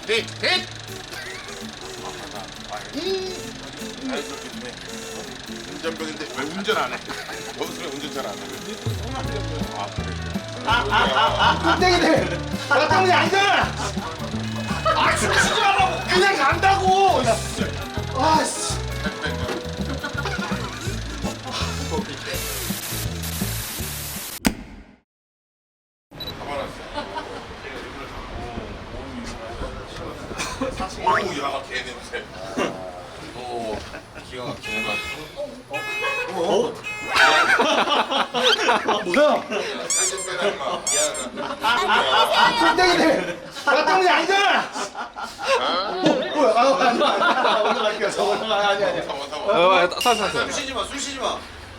자연스럽게 운전병인데 왜 운전 안 해? 원수는 운전 잘 안 해. 아, 그래. 땡이들 나 때문이 아니잖아. 아 춤추지 말라고. 그냥 간다고. 아씨. 오우 야 개냄새. 오 기가 막히네. 뭐야? 살좀 빼라 임마. 미안하다. 땡이들 나 때문이 아니잖아. 뭐야? 아니야. 올라갈게요. 저 올라가. 아니야. 사와. 술 쉬지 마, 술 쉬지 마.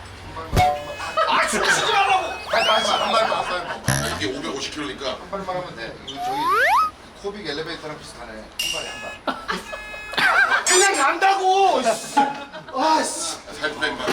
아 춤추지 말라고. 한 발만 왔어. 이게 550kg니까 한 발만 하면 돼. 저기 코빅 엘리베이터랑 비슷하네. 한 발에 한 발. 그냥 간다고. 아씨. 살 뺀다.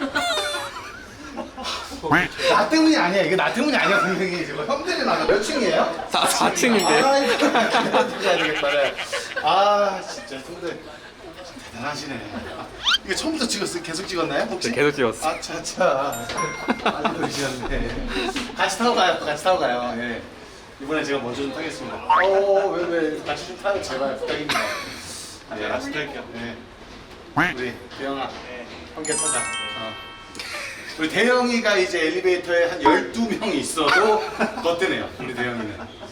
나 때문이 아니야. 이게 나 때문이 아니야. 분명히 지금 형들이 나가 몇 층이에요? 4층인데. 아 이거 가야 되겠다. 네. 아 진짜 형들 대단하시네. 이게 처음부터 찍었어요? 계속 찍었나요? 혹시? 계속 찍었어. 아차차. 많이 그러시는데. 같이 타고 가요. 같이 타고 가요. 예. 이번에 제가 먼저 좀 타겠습니다. 왜 같이 좀 타요. 제발 부탁입니다. 네, 같이 탈게요. 네. 우리 대영아, 함께 타자. 우리 대영이가 이제 엘리베이터에 한 12명이 있어도 너 뜨네요. 우리 대영이는.